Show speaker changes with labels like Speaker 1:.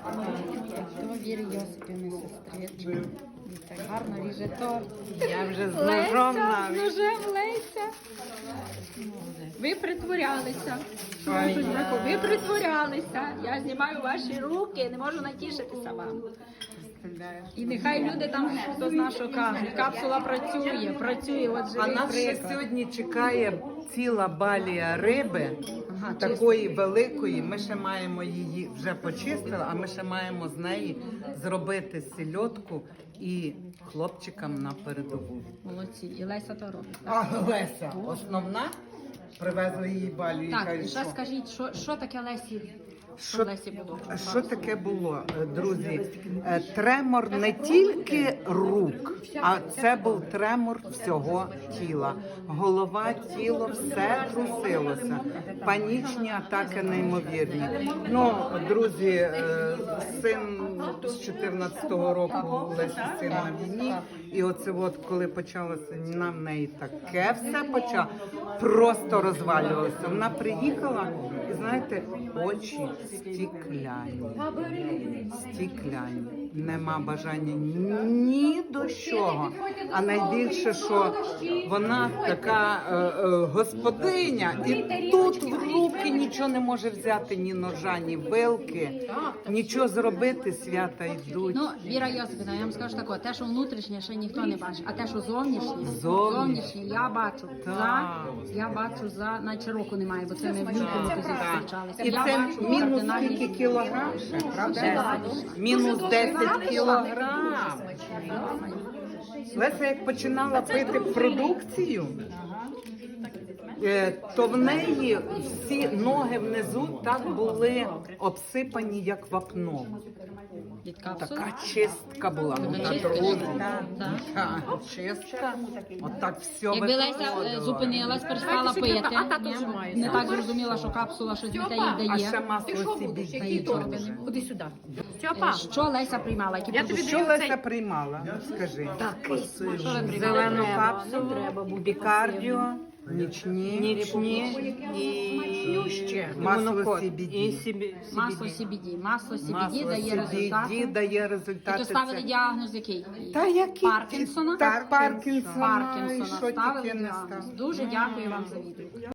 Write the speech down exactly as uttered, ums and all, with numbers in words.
Speaker 1: То Вірі Йосипівни сестричка. І так гарно ріже торт.
Speaker 2: Я вже з
Speaker 1: Леся,
Speaker 2: ножом
Speaker 1: з
Speaker 2: навіть.
Speaker 1: ножем Леся. Ви притворялися. Кажуть, Марко, ви притворялися. Я знімаю ваші руки, не можу натішитися вам. І нехай люди там, хто зна, що кажуть, капсула працює, працює, от
Speaker 2: А
Speaker 1: живий
Speaker 2: нас ще
Speaker 1: приклад.
Speaker 2: сьогодні чекає ціла балія риби,
Speaker 1: Ага,
Speaker 2: такої великої. Ми ще маємо її вже почистили, а ми ще маємо з неї зробити сільотку і хлопчикам на передову.
Speaker 1: Молодці. І Леся то робить.
Speaker 2: А Леся, основна, привезли її балію.
Speaker 1: Так,
Speaker 2: кажуть,
Speaker 1: і ще
Speaker 2: що?
Speaker 1: скажіть, що, що таке Лесі? Що,
Speaker 2: Що,
Speaker 1: Лесі було?
Speaker 2: що таке було, друзі? Е, Тремор не тільки рук, а це був тремор всього тіла. Голова, тіло, все трусилося. Панічні атаки неймовірні. Ну, друзі, е, син з чотирнадцятого року, Лесі син на війні. І оце от, коли почалося на в неї таке все почало, просто розвалювалося. Вона приїхала і, знаєте, очі стікляні. Стікляні. Нема бажання ні до чого. А найбільше, що вона така е, е, господиня, і тут в руки нічого не може взяти, ні ножа, ні вилки, нічого зробити, свята йдуть.
Speaker 1: Ну, Віра Йосипівна, я вам скажу таке, те, що внутрішнє, ще ніхто не бачить, а те, що зовнішнє,
Speaker 2: Зовнішнє.
Speaker 1: зовнішнє, я бачу. За, я бачу за, наче року немає, бо це ми в лютому тоді зустрічалися.
Speaker 2: І
Speaker 1: Я
Speaker 2: це
Speaker 1: бачу
Speaker 2: мінус
Speaker 1: кардинальні
Speaker 2: скільки кілограм ще, правда?
Speaker 1: десять.
Speaker 2: Мінус десять кілограм. Леся, як починала пити продукцію, е, то в неї всі ноги внизу так були обсипані, як вапном.
Speaker 1: від капсули.
Speaker 2: Така чистка була. Ну, та
Speaker 1: Чистка?
Speaker 2: друзі.
Speaker 1: Так.
Speaker 2: Та, чистка. Отак все
Speaker 1: Якби Леся е,
Speaker 2: виходило.
Speaker 1: зупинилась, перестала пити, ні? Не так зрозуміла, що капсула щось для їй
Speaker 2: А ще
Speaker 1: дає.
Speaker 2: масло сібі.
Speaker 3: Ходи сюди.
Speaker 1: Е, Що Леся приймала? Які продукти?
Speaker 2: Що Леся приймала? Скажи.
Speaker 1: Що ви приймали?
Speaker 2: Зелену капсулу, бікардіо, нічні, нічні і масло сі бі ді.
Speaker 1: Масло сі бі ді. Масло сі бі ді
Speaker 2: Масло
Speaker 1: дає
Speaker 2: сі бі ді
Speaker 1: результати.
Speaker 2: дає
Speaker 1: І
Speaker 2: результати.
Speaker 1: то ставили
Speaker 2: Це-
Speaker 1: діагноз який?
Speaker 2: Та який?
Speaker 1: Паркінсона?
Speaker 2: Так, Паркінсона. І
Speaker 1: Паркінсона
Speaker 2: що
Speaker 1: ставили
Speaker 2: тільки не
Speaker 1: діагноз.
Speaker 2: став.
Speaker 1: Дуже дякую вам за відео.